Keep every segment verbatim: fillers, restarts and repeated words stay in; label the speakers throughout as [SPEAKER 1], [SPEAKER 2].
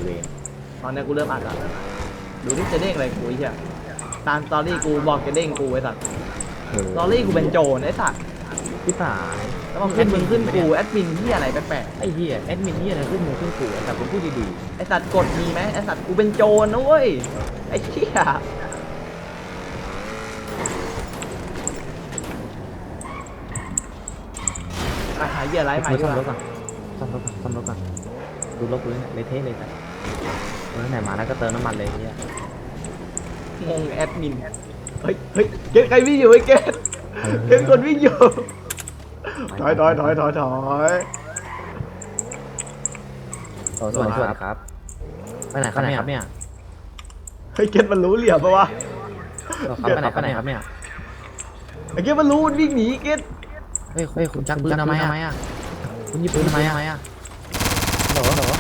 [SPEAKER 1] เวร
[SPEAKER 2] ตอนนี้กูเริ่มอัดแล้วดูนี่จะเด้งอะไรกูไอ้เหี้ยตามสตอรี่กูบอกจะเด้งกูไอ้สัตว์สตอรี่กูเป็นโจรไอ้สัตว์
[SPEAKER 1] พี่สาย
[SPEAKER 2] แล้วมันขึ้นมึงขึ้นกูแอดมินที่อะไรแปลก
[SPEAKER 1] ไอ้เหี้ยแอดมินเหี้ยอะไรขึ้นมึงขึ้นกูแต่ผมพูดดี
[SPEAKER 2] ๆไอ้สัตว์กดมีไหมไอ้สัตว์กูเป็นโจรนะเว้ยไอ้เหี้ยไปหาเหยื่อไร
[SPEAKER 1] ๆ
[SPEAKER 2] ใหม่
[SPEAKER 1] ซ่
[SPEAKER 2] ดี
[SPEAKER 1] อม
[SPEAKER 2] ก
[SPEAKER 1] ร
[SPEAKER 2] ว่า
[SPEAKER 1] ถก่อนซ่อมรถก่อนซ่อมรถก่อนดูรถกูเลยเละเทะเลยแต่เมื่อไหนมาแล้วก็เติมน้ำมันเลยเหี้ย
[SPEAKER 2] งงแอดมินเฮ้ยเฮ้ยเกตใครวิ่งอยู่ไอ้เกตเกตคนวิ่งอยู่ถอยถอยถอยถอยถอย
[SPEAKER 1] สวัสดีครับไปไหนครับเนี่ยครับเนี่ย
[SPEAKER 2] เฮ้ยเกตมันรู้เหลี่ยมปะวะ
[SPEAKER 1] ไปไหนไปไหนครับเนี่ย
[SPEAKER 2] ไอ้เกตมันรู้มันวิ่งหนีเกต
[SPEAKER 1] เฮ้ยเฮ้ยคุณจักปืนทำไมอ่ะคุณยิงปืนทำไมอ่ะหรอหรอ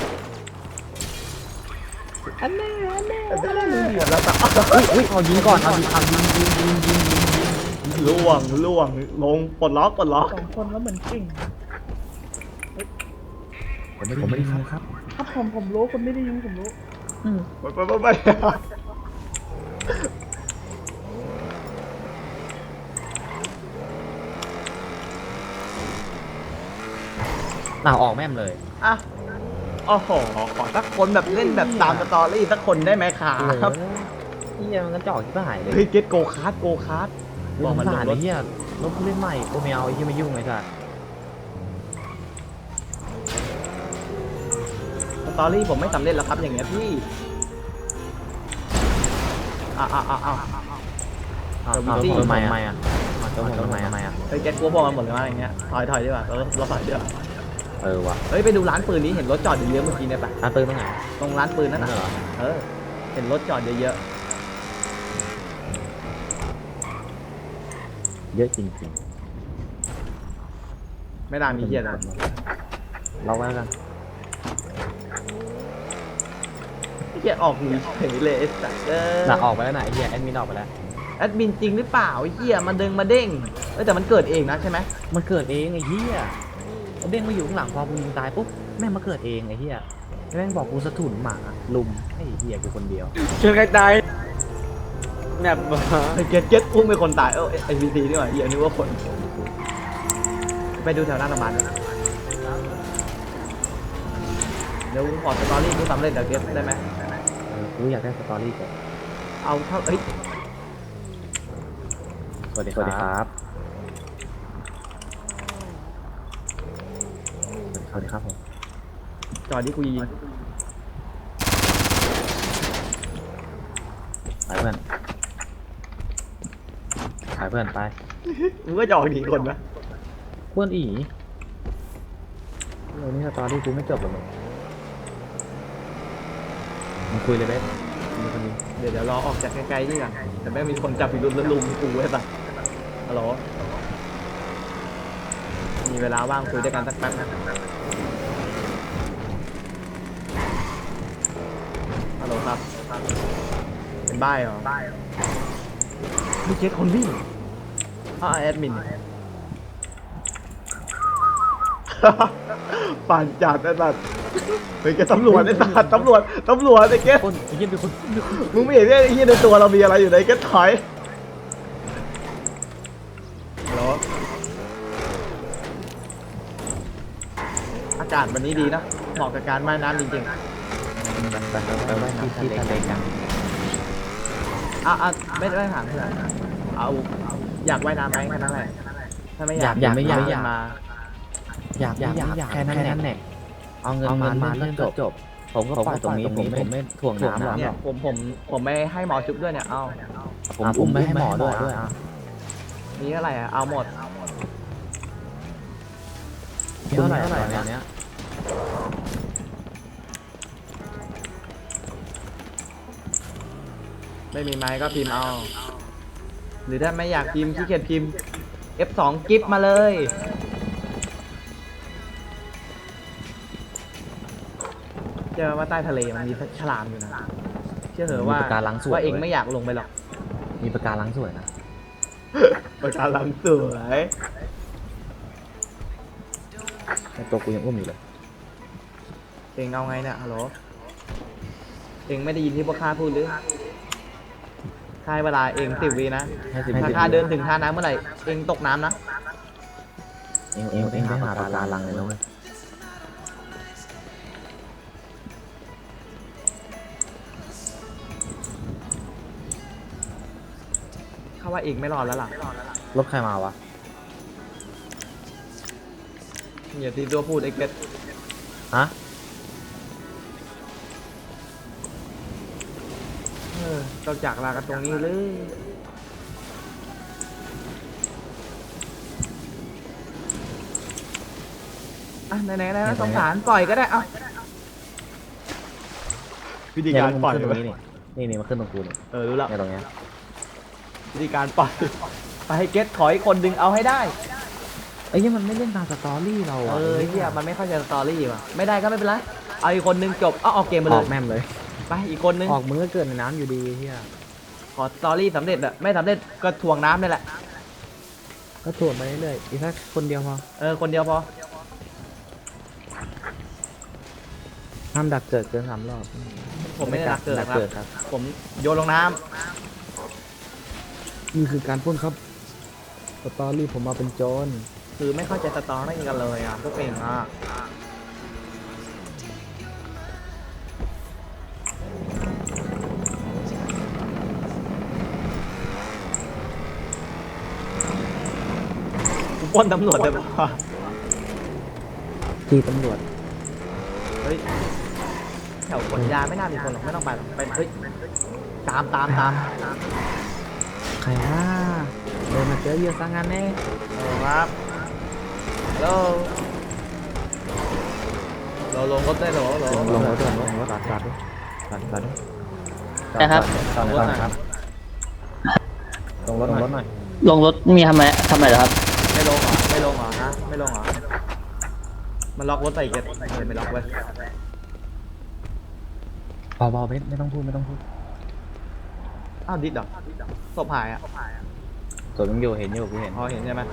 [SPEAKER 2] อันแน่อันแน่อันแน่มึงเหลี่ยมแล้วแต่
[SPEAKER 1] อุ้ยอุ้ยเอายิงก่อนเอายิงเอายิงยิงยิงยิงยิง
[SPEAKER 2] ล่วงล่วงลงปลดล็อกปลดล็อก
[SPEAKER 3] สองคนแล้วเหมือนเก่ง
[SPEAKER 1] ผมไม่ผมไม่ได้ยิงครับ
[SPEAKER 3] ถ้าผมผมรู้คนไม่ได้ยิงผมรู้
[SPEAKER 2] ไปไปไปไป
[SPEAKER 1] หน้าออกแม่มเลย
[SPEAKER 2] อ่ะโอ้โหขอสักคนแบบเล่นแบบตามสตอรี่สักคนได้ไหมครับ
[SPEAKER 1] เฮียมันก็จ่อที่หายเลย
[SPEAKER 2] เฮ้ยเกตโกคาร์ดโกคาร์ด
[SPEAKER 1] บบ อ
[SPEAKER 2] อก ก
[SPEAKER 1] มั
[SPEAKER 2] มัน น
[SPEAKER 1] ล
[SPEAKER 2] ล
[SPEAKER 1] ง
[SPEAKER 2] ง
[SPEAKER 1] ร
[SPEAKER 2] ร
[SPEAKER 1] ถ
[SPEAKER 2] ถ
[SPEAKER 1] เฮียรถเล่นใหม่กูไม่เอาไอ้เฮียไม่ยุ่งไอ้สัส
[SPEAKER 2] สตอรี่ผมไม่สำเร็จแล้วครับอย่างเงี้ยพี่อ่ะอ่ะอ่ะอ่ะ
[SPEAKER 1] อ้าวทำไมอ่ะทำไมอ่ะทำไมทำไมทำไมอ่ะ
[SPEAKER 2] เฮ้ยเกตกลัวพวกมันหมดเลยว่าอย่างเงี้ยถอยถอยดีกว่าเราเราถอยดีกว่า
[SPEAKER 1] เออว่ะ
[SPEAKER 2] เฮ้ยไปดูร้านปืนนี้เห็นรถจอดเยอะๆเมื่อกี้เนี่ยปะ
[SPEAKER 1] ร้านปืนตรงไหน
[SPEAKER 2] ตรงร้านปืนนั่น
[SPEAKER 1] นั่น
[SPEAKER 2] น่ะ
[SPEAKER 1] เหรอ
[SPEAKER 2] เออเห็นรถจอดเยอะ
[SPEAKER 1] เยอะจริง
[SPEAKER 2] ๆไม่น่า
[SPEAKER 1] ๆ
[SPEAKER 2] มีเหี้ยนะ
[SPEAKER 1] เราไว้กัน
[SPEAKER 2] เหี้ยออกหนีเฉยเลยไอ้สัสเออ
[SPEAKER 1] หลักออกไปแล้วไหนเฮียแอดมินออกไปแล้ว
[SPEAKER 2] แอดมินจริงหรือเปล่าไอ้เหี้ยมันดึงมาเด้งเอ้ยแต่มันเกิดเองนะใช่ไหม
[SPEAKER 1] มันเกิดเองไอ้เฮียเด้งมาอยู่ข้างหลังพอกูยิงตายปุ๊บแม่งมาเกิดเองไอ้เฮียแม่งบอกกูสะถุนหมาลุมไอ้เฮียกูคนเดียว
[SPEAKER 4] เชิญใครตายแนบ
[SPEAKER 2] ไอ้เก็ตเก็ตอุ้มเป็นคนตายเออไอพีซีนี่หว่าเหี้ยนึกว่าคนไปดูแถวหน้าโรงพยาบาลด้วยนะเดี๋ยวขอสตอรี่กูสำเร็จเดี๋ยวเก็ตได้ไหม
[SPEAKER 1] เออกูอยากได้สตอรี่ก่อน
[SPEAKER 2] เอาเท่าเอ้ย
[SPEAKER 1] สวัสดีครับสวัสดีครับผม
[SPEAKER 2] จอดที่กูยิง
[SPEAKER 1] ไปเพื่อนไปเพื่อนไป
[SPEAKER 2] มึงก็จะออกหนีคนนะ
[SPEAKER 1] เพื่อนอีเรื่องนี้สตอรี่กูไม่จบหรอกมึงมึงคุยเลยเบ๊มีคนนี้
[SPEAKER 2] เดี๋ยวเดี๋ยวรอออกจากไกลๆนี่กันแต่แม่งมีคนจับอีกรุ่นแล้วลุมกูไว้ปะฮัลโหลมีเวลาว่างคุยด้วยกันสักแป๊บนะฮัลโหลครับเป็นบ้าเหรอมีเช็คคนวิ่งอ้าวแอดมิน ป่านจัดไอ้สัตว์เฮ้ยแกตำรวจไอ้สัตว์ตำรวจตำรวจไอ้แก
[SPEAKER 1] คนไอ้เหี้ยเป็นคน
[SPEAKER 2] มึงไม่เห็นไอ้เหี้ยในตัวเรามีอะไรอยู่ไหนแกถอยฮัลโหลอากาศวันนี้ดีนะเหมาะกับการว่ายน้ำจริงๆ
[SPEAKER 1] ไปไปไว้ที่ที่ทะเลกัน
[SPEAKER 2] อ่ะอ่ะไม่ได้ถามเพื่อนเอาอยากว่ายน้ำไหมแค่นั้นแหละถ้าไม่อยาก
[SPEAKER 1] อยากไม่อยากอยาก
[SPEAKER 2] มา
[SPEAKER 1] อยากอยากอยากแค่นั้นแหละเอาเงินมามาแล้วจบจบผมก็ปล่อยตรงนี้ผมผมไม่ถ่วงน้ำหรอก
[SPEAKER 2] เนี่ยผมผมผมไม่ให้หมอชุบด้วยเนี่ยเอา
[SPEAKER 1] ผมอุ้มไม่ให้หมอด้วยด้วยอ่ะ
[SPEAKER 2] มีเท่าไหร่อ่ะเอาหมด
[SPEAKER 1] เท่าไหร่เท่าไหร่เนี้ย
[SPEAKER 2] ไม่มีไม้ก็พิมพ์เอา หรือถ้าไม่อยากพิมพ์ขี้เกียจพิมพ์ เอฟ สอง กิฟต์มาเลยเชื่อว่าใต้ทะเลมันมีฉลามอยู่นะเชื่อเหอะว่าว่าเองไม่อยากลงไปหรอก
[SPEAKER 1] มีปากการังสวยนะ
[SPEAKER 2] ปะการังสวย
[SPEAKER 1] ตัวกูยังอุ้มอยู่เลย
[SPEAKER 2] เองเอาไงเนี่ยฮัลโหลเองไม่ได้ยินที่พวกข้าพูดหรือข้าให้เวลาเองสิบวินะ
[SPEAKER 1] ให้สิบ
[SPEAKER 2] ถ้าข้าเดินถึงท่าน้ำเมื่อไหร่เองตกน้ำนะ
[SPEAKER 1] เองเองเองไปหาปลาลังเลยนะเว้ย
[SPEAKER 2] ข้าว่าเองไม่รอดแล้วล่ะ
[SPEAKER 1] รถใครมาวะ
[SPEAKER 2] อย่าตีตัวพูดไอ้เกต
[SPEAKER 1] ฮะ
[SPEAKER 2] เออเราจากลากันตรงนี้เลยอ่ะไหนๆนะสงสารปล่อยก็ได้เอ้าวิธีการปล่อย
[SPEAKER 1] เนี่ยมันขึ้นตรง
[SPEAKER 2] ไว้
[SPEAKER 1] นี้นี่นี่นี่มันขึ้นตรงกูนี่
[SPEAKER 2] เออรู้แล้ว
[SPEAKER 1] เนี่ยตรงเนี้ย
[SPEAKER 2] วิธีการปล่อยไปให้เกตขออีกคนดึงเอาให้ได้
[SPEAKER 1] ไอ้เหี้ยมันไม่เล่นตามสตอรี่เรา
[SPEAKER 2] เอ
[SPEAKER 1] อ่ะ
[SPEAKER 2] อเฮียมันไม่เข้าใจสตอรี่ว่ะไม่ได้ก็ไม่เป็นไรเอาอีกคนนึงจบเอาออกเกมไป
[SPEAKER 1] อ
[SPEAKER 2] เล
[SPEAKER 1] อย กแม่มเลย
[SPEAKER 2] ไปอีกคนนึง
[SPEAKER 1] ออกมึงก็เกิดในน้ำอยู่ดีเฮีย
[SPEAKER 2] ขอสตอรี่สำเร็จอะไม่สำเร็จก็ถ่วงน้ำนี่แหละ
[SPEAKER 1] ก็ตรวจไปเรื่อยๆอีกแค่คนเดียวพอ
[SPEAKER 2] เออคนเดียวพอ
[SPEAKER 1] ห้ามดักเกิดเกินสามรอบ
[SPEAKER 2] ผมไม่ได้รักเกิด
[SPEAKER 1] ดัก
[SPEAKER 2] ครั
[SPEAKER 1] เกิด
[SPEAKER 2] บ
[SPEAKER 1] ครับ
[SPEAKER 2] ผมโยนลงน้
[SPEAKER 1] นี่คือการปล้นครับสตอรี่ผมมาเป็นโจร
[SPEAKER 2] ำคือไม่เข้าใจสตอรี่กันเลยอ่ะพวกเองอ่ะกูปล้นตำรวจเลยป่ะ
[SPEAKER 1] ที่ตำรวจ
[SPEAKER 2] เฮ้ยแถวขนยาไม่น่ามีคนหรอกไม่ต้องไปหรอกไปเฮ้ยตามตามตาม
[SPEAKER 1] ใครว่าเดินมาเจอเยอะสังงานแน่
[SPEAKER 2] เออครับฮัลโหลเราลงรถได้เหรอเหรอ
[SPEAKER 1] ลงรถด้วยลงรถตัดตัดด้วยตัดตัดด้วย
[SPEAKER 5] นะครับ
[SPEAKER 1] ตอนไหนตอนไหนครับลงรถลงรถหน่อย
[SPEAKER 5] ลงรถมีทำไมทำไมเหรอครับ
[SPEAKER 2] ไม่ลงเหรอไม่ลงเหรอฮะไม่ลงเหรอมันล็อกรถใส่เก็ตเออไม่ล็อกเว้ย
[SPEAKER 1] เบาๆเพชรไม่ต้องพูดไม่ต้องพูด
[SPEAKER 2] อ้าวดิดเหรอศพหายอ่ะ
[SPEAKER 1] ตัวมึงอยู่เห็นอยู่กูเห็น
[SPEAKER 2] พอเห็นใช่ไหม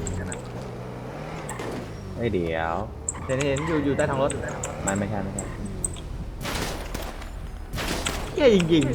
[SPEAKER 1] เอ้ยเดี๋ยว
[SPEAKER 2] เห็นเห็นอยู่อยู่ใต้ท้องรถ
[SPEAKER 1] มันไม่ใช่ไม่ใช่
[SPEAKER 2] เหี้ยจริง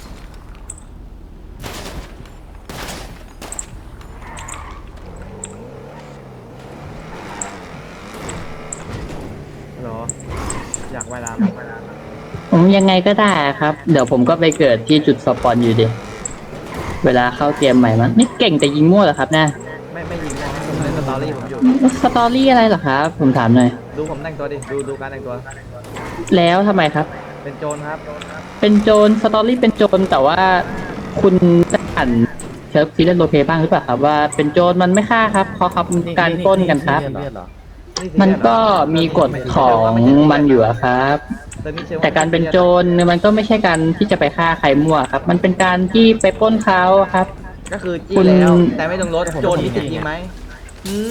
[SPEAKER 2] ๆเหรออยากว่ายน้ำไหม
[SPEAKER 5] ผมยังไงก็ได้ครับ เดี๋ยวผมก็ไปเกิดที่จุดสปอนอยู่ดี เวลาเข้าเกมใหม่มันนี่เก่งแต่ยิงมั่วเหรอครับนะ
[SPEAKER 2] ไม่ไม่ยิงนะผมเล่นสตอรี่ผมอยู่
[SPEAKER 5] สตอรี่อะไรเหรอครับ ผมถามหน่อย
[SPEAKER 2] ดูผมแต่งตัวดิดูดูการแต่งตัว
[SPEAKER 5] แล้วทำไมครับ
[SPEAKER 2] เป็นโจรครับ
[SPEAKER 5] เป็นโจรสตอรี่เป็นโจรแต่ว่าคุณได้อ่านเชิร์ฟซีเรียสโรลเพลย์บ้างหรือเปล่าครับว่าเป็นโจรมันไม่ฆ่าครับเพราะเขาเป็นการปล้นกันครับ
[SPEAKER 1] เลือดเหรอ
[SPEAKER 5] มันก็มีกฎของมันอยู่อะครับ
[SPEAKER 2] แต่นี่เชื่อว่
[SPEAKER 5] แต่การเป็นโจรเนี่ยมันก็ไม่ใช่การที่จะไปฆ่าใครมั่วครับ มันเป็นการที่ไปปล้นเขาครับ
[SPEAKER 2] ก็คือจี้
[SPEAKER 5] คุณ
[SPEAKER 2] แล้วแต่ไม่ต้องรถโจรมีสิทธิ์ยิงไหมหืม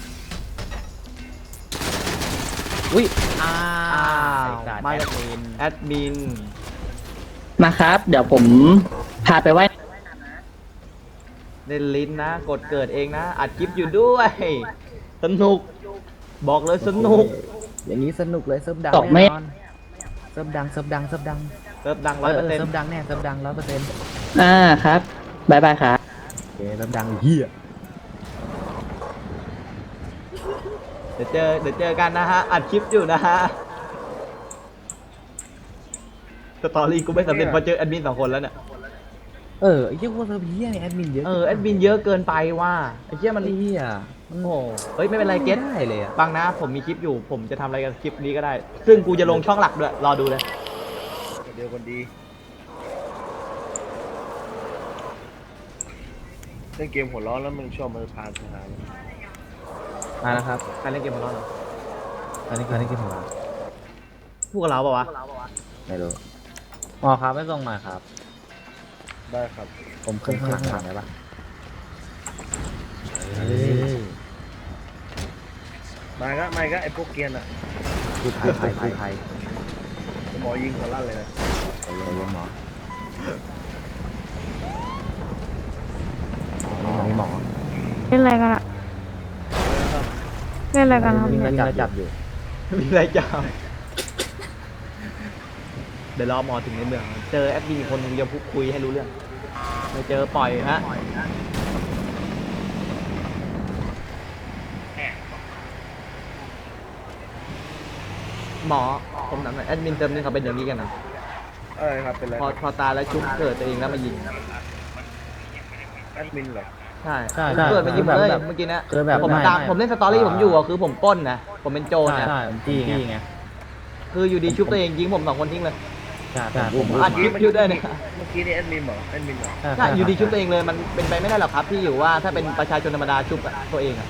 [SPEAKER 1] อุ้ยอ้า
[SPEAKER 2] อ้าว
[SPEAKER 1] ว
[SPEAKER 2] มา
[SPEAKER 1] มา
[SPEAKER 2] จากแอดมิน
[SPEAKER 5] มาครับ เดี๋ยวผมพาไปไหว้
[SPEAKER 2] เล่นลิ้นนะ กดเกิดเองนะ อัดคลิปอยู่ด้วย สนุก บอกเลยสนุก
[SPEAKER 1] อย่างนี้สนุกเลยเซิร์ฟดัง
[SPEAKER 5] ตกไม่
[SPEAKER 1] แน่นอนเซิร์ฟดังเซิร์ฟดังเซิร์ฟดัง
[SPEAKER 2] เติมดัง
[SPEAKER 1] เอ
[SPEAKER 2] ร้อย
[SPEAKER 1] อ
[SPEAKER 2] เปอร์เซ็น
[SPEAKER 1] เซิ
[SPEAKER 2] ต์
[SPEAKER 1] ร์ฟดังแน่เซิร์ฟดังร้อยเปอร์เซ็นต์
[SPEAKER 5] อ่าครับบายบายครับ
[SPEAKER 1] โอเคเซิร์ฟดังเฮีย
[SPEAKER 2] เดี๋ยวเจอเดี๋ยวเจอกันนะฮะ อัดคลิปอยู่นะฮะ สตอรี่กูไม่สำเร็จเพราะเจอแอดมินสองคนแล้วเนี่ย
[SPEAKER 1] เออไอ้เหี้ยพวกเซิร์ฟเฮียเนี่ยแอดมินเยอะ
[SPEAKER 2] เออแอดมินเยอะเกินไปว่าไอ้เหี้ยมัน
[SPEAKER 1] ไอ้เฮีย
[SPEAKER 2] โอ้โหเฮ้ยไม่เป็นไรเก็ต
[SPEAKER 1] ได้เลยอ่ะ
[SPEAKER 2] บางนะผมมีคลิปอยู่ ผมจะทำอะไรกับคลิปนี้ก็ได้ ซึ่งกูจะลงช่องหลักด้วย รอดูเลย
[SPEAKER 6] เดียวคนดีเล่นเกมหัวร้อนแล้วมึงชอบมือพานทหาร
[SPEAKER 1] มาแล้วครับ
[SPEAKER 2] ใครเล่นเกมของเราเหรอ
[SPEAKER 1] อันนี้คืออันนี้คือของเรา
[SPEAKER 2] พูดกับเราเปล่าวะ
[SPEAKER 1] ไม่รู้อ๋อครับไม่ส่งมาครับ
[SPEAKER 6] ได้ครับ
[SPEAKER 1] ผมขึ้นข้างหลังหลังได้ปะเฮ้ย
[SPEAKER 6] มาก็มาก็ไอ้พวกเกรียนอ่ะ
[SPEAKER 1] กู้ภัยภัยภัยภัย
[SPEAKER 6] หมอยิงหัวลั่นเลยนะ
[SPEAKER 1] ใจเย็นหมอนี่หมอ
[SPEAKER 3] เล่นอะไรกันอะเล่นอะไรกันครับ
[SPEAKER 1] นี่
[SPEAKER 3] เนี่ย
[SPEAKER 1] ก็จับอยู่
[SPEAKER 2] มีอะไรจ้าเดี๋ยวรอหมอถึงในเมือง เจอแอดมินอีกคนหนึงเดี๋ยวพูดคุยให้รู้เรื่องไม่เจอปล่อยฮะหมอผมถามหน่อยแอดมินเติมนี่เขาเป็นอย่างนี้กันนะ
[SPEAKER 6] อะไรครับเป็นไร
[SPEAKER 2] พอพอตายแล้วชุบเกิดตัวเองแล้วมายิง
[SPEAKER 6] แอดมินเหรอ
[SPEAKER 2] ใช่
[SPEAKER 1] ใช่
[SPEAKER 2] ชุบเกิดมายิงผมเลย
[SPEAKER 1] แบบ
[SPEAKER 2] เมื่อกี้เนะ
[SPEAKER 1] คือแบบ
[SPEAKER 2] ผม
[SPEAKER 1] ไม่
[SPEAKER 2] ตาม
[SPEAKER 1] ไม่
[SPEAKER 2] ผมเล่นสตอรี่ผมอยู่อะคือผมปล้นนะผมเป็นโจร
[SPEAKER 1] ใช่
[SPEAKER 2] นะ
[SPEAKER 1] ใช่ผมจี้ไง
[SPEAKER 2] คืออยู่ดีชุบตัวเองยิงผมสองคนทิ้งเลย
[SPEAKER 1] ใช่ใช่ผม
[SPEAKER 2] อัดคลิปอยู่ด้วยเนี่ย
[SPEAKER 6] เมื่อกี้นี่แอดมินเหรอแอดมินเหรอ
[SPEAKER 2] ใช่อยู่ดีชุบตัวเองเลยมันเป็นไปไม่ได้หรอกครับที่อยู่ว่าถ้าเป็นประชาชนธรรมดาชุบอะตัวเองอะ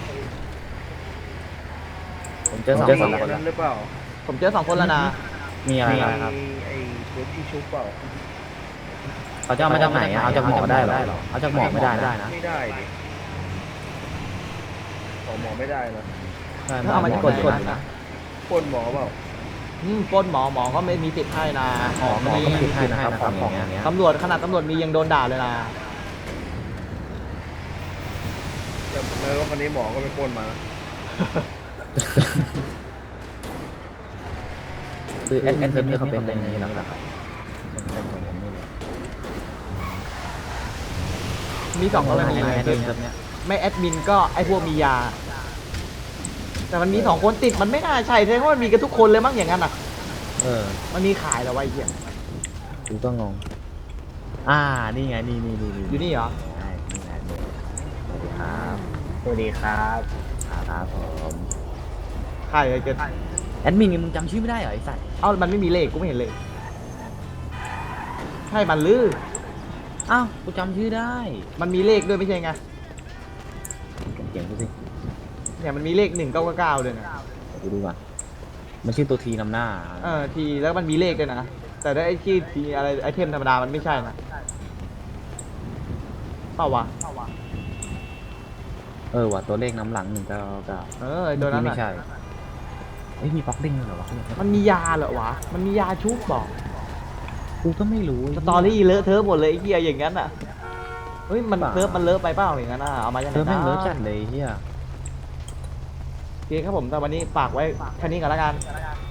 [SPEAKER 1] ผมเจอสองเจอสอง
[SPEAKER 6] มี
[SPEAKER 1] คน
[SPEAKER 6] นั้นหรือเปล่า
[SPEAKER 2] ผมเจอสองคนแล้วนะ
[SPEAKER 1] มีอะไร
[SPEAKER 6] มี
[SPEAKER 1] ครับ
[SPEAKER 6] ไอ้ตัวที่ชุบเปล่า
[SPEAKER 1] เขาจะเอามาจากไหนอะเอาจากหมอได้เหรอเอาจากหมอไม่ได้นะ
[SPEAKER 6] ไม่ได้ดิขอหมอไม่ได้นะ
[SPEAKER 1] ใช่
[SPEAKER 2] ถ้าเอามาจาก
[SPEAKER 1] ก
[SPEAKER 2] ก
[SPEAKER 1] ด
[SPEAKER 2] ด
[SPEAKER 1] ก
[SPEAKER 2] ก
[SPEAKER 1] ด
[SPEAKER 2] ด
[SPEAKER 1] นะ
[SPEAKER 2] นะ
[SPEAKER 6] คนหมอเปล่า
[SPEAKER 2] อืมปล้นหมอหมอก็ไม่มีสิทธิ์ให้นะ
[SPEAKER 1] หมอหมอก็ไม่ผิดให้นะครับของอย่างเงี้ย
[SPEAKER 2] ตำรวจขนาดตำรวจมียังโดนด่าเลยนะ
[SPEAKER 6] แต่แล้วรถคันนี้หมอก็ไปปล้นมา
[SPEAKER 1] คือแอดแอดมินเขาเป็นอย่างนี้แล้วครับเป็นของผมนี่เลย
[SPEAKER 2] มีสองกรณี
[SPEAKER 1] แอ
[SPEAKER 2] ไง
[SPEAKER 1] ด
[SPEAKER 2] คื
[SPEAKER 1] มิ
[SPEAKER 2] อน
[SPEAKER 1] แบบเนี้ย
[SPEAKER 2] ไม่แอดมินก็ไอพวกมียา แต่มันมีสองคนติดมันไม่น่าใช่แสดงว่ามันมีกันทุกคนเลยมั้งอย่างนั้นอ่ะ
[SPEAKER 1] เออ
[SPEAKER 2] มันมีขายแล้ววะไอ้เหี้ย
[SPEAKER 1] กูก็งงอ่านี่ไงนี่นี่นี่
[SPEAKER 2] อยู่นี่เหรอ
[SPEAKER 1] ใช่นี่ไงนี่สวัสดีครับสวัสดีครับครับผม
[SPEAKER 2] ขายอะไรเกิน
[SPEAKER 1] แอดมินมึงจำชื่อไม่ได้เหรอไอ้สัตว์
[SPEAKER 2] เอ้ามันไม่มีเลขกูไม่เห็นเลยใช่มันลือ
[SPEAKER 1] อ้าวกูจำชื่อได้
[SPEAKER 2] มันมีเลขด้วยไม่ใช่ไง
[SPEAKER 1] เก่งกูสิ
[SPEAKER 2] เนี่ยมันมีเลขหนึ่งเก้าเก้าด้วยนะ
[SPEAKER 1] เดี๋ยวกูดูก่อนมันชื่อตัวทีนำหน้า
[SPEAKER 2] เออทีแล้วมันมีเลขด้วยนะแต่ถ้าไอ้ที่ทีอะไรไอเทมธรรมดามันไม่ใช่นะเปล่าวะ
[SPEAKER 1] เออว่ะตัวเลขน้ำหลังหนึ่งเก้าเก้า
[SPEAKER 2] เออไอ้ตัวนั้น
[SPEAKER 1] ไม่
[SPEAKER 2] อะ
[SPEAKER 1] ใช่เอ้ยมีป๊อกเด้งด้วยเหรอวะ
[SPEAKER 2] มันมียาเหรอวะมันมียาชุบบอก
[SPEAKER 1] กูก็ไม่รู้
[SPEAKER 2] สตอรี่เลอะเทอะหมดเลยไอ้เหี้ยอย่างนั้นอ่ะเฮ้ยมันเซิร์ฟมันเลอะไปเปล่าอย่างนั้นอ่ะเอามาจากไห
[SPEAKER 1] เธอแม่ง
[SPEAKER 2] น
[SPEAKER 1] เลอะจัดเลยเฮีย
[SPEAKER 2] โอเคครับผมแต่วันนี้ฝากไว้แค่นี้ก่อนละกัน